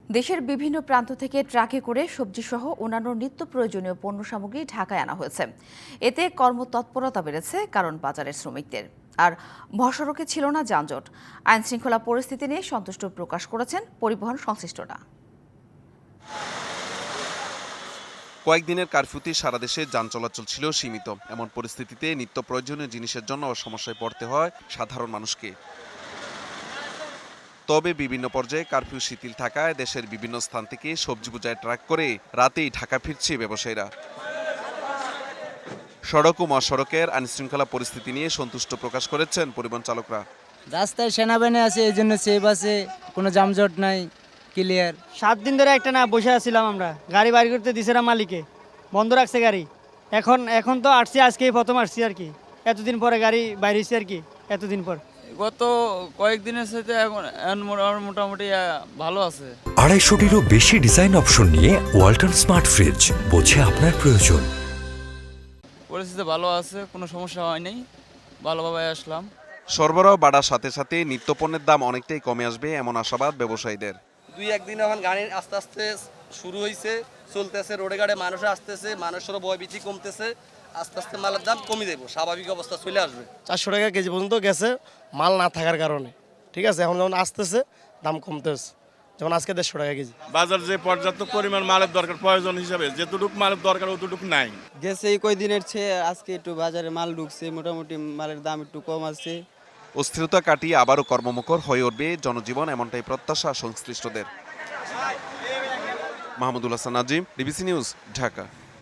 দেশের বিভিন্ন প্রান্ত থেকে ট্রাকে করে সবজিসহ অন্যান্য নিত্য প্রয়োজনীয় পণ্য সামগ্রী ঢাকায় আনা হয়েছে। এতে কর্মতৎপরতা বেড়েছে, কারণ বাজারের শ্রমিকদের। আর মহাসড়কে ছিল না যানজট। আইনশৃঙ্খলা পরিস্থিতি নিয়ে সন্তুষ্ট প্রকাশ করেছেন পরিবহন সংশ্লিষ্টরা। কয়েকদিনের কারফিউতে সারা দেশে যান চলাচল ছিল সীমিত। এমন পরিস্থিতিতে নিত্য প্রয়োজনীয় জিনিসের জন্য সমস্যায় পড়তে হয় সাধারণ মানুষকে। তবে বিভিন্ন পর্যায়ে কারফিউ শিথিল থাকায় দেশের বিভিন্ন স্থান থেকে সবজি বোঝাই ট্রাক করে রাতেই ঢাকা ফিরছে ব্যবসায়ীরা। সড়ক ও মহাসড়কের আইনশৃঙ্খলা পরিস্থিতি নিয়ে সন্তুষ্ট প্রকাশ করেছেন পরিবহন চালকরা। রাস্তায় সেনাবাহিনী আছে, এই জন্য সেফ আছে, কোনো যানজট নাই, ক্লিয়ার। 7 দিন ধরে একটা না বসে আছিলাম আমরা, গাড়ি বাড়ি করতে দিছে না মালিকে, বন্ধ রাখছে গাড়ি। এখন তো আসছি, আজকেই প্রথম আসছি আর কি, এতদিন পরে গাড়ি বাইরেছি আর কি, এতদিন পর। গত কয়েকদিনের সাথে এখন মোটামুটি ভালো আছে। 250-টিরও বেশি ডিজাইন অপশন নিয়ে ওয়ালটন স্মার্ট ফ্রিজ, বোঝে আপনার প্রয়োজন। পরিস্থিতি ভালো আছে, কোনো সমস্যা হয় নাই, ভালোভাবে আসলাম। সরবরাহ বাড়ার সাথে সাথে নিত্যপণ্যের দাম অনেকটাই কমে আসবে এমন আশাবাদ ব্যবসায়ীদের। 2-1 দিন এখন গাড়ি আস্তে আস্তে শুরু হয়েছে, চলতেছে, রোডে গাড়ে মানুষ আসতেছে, মানুষেরও ভয়ভীতি কমতেছে, আস্তে আস্তে মালের দাম কমে যাবে, স্বাভাবিক অবস্থা চলে আসবে। 400 টাকা কেজি পর্যন্ত গেছে মাল না থাকার কারণে, ঠিক আছে। এখন যখন আসতেছে দাম কমতেছে, যেমন আজকে 150 টাকা কেজি। বাজার যে পর্যাপ্ত পরিমাণ মালের দরকার প্রয়োজন হিসাবে যেটুকু মালের দরকার অতটুকু নাই। গেছে এই কয়দিনের চেয়ে আজকে একটু বাজারে মাল ঢুকছে, মোটামুটি মালের দাম একটু কম আছে। অস্থিরতা কাটিয়ে আবারও কর্মমুখর হয়ে উঠবে জনজীবন, এমনটাই প্রত্যাশা সংশ্লিষ্টদের। Mahmudul Hasan Nazim, DBC news, Dhaka.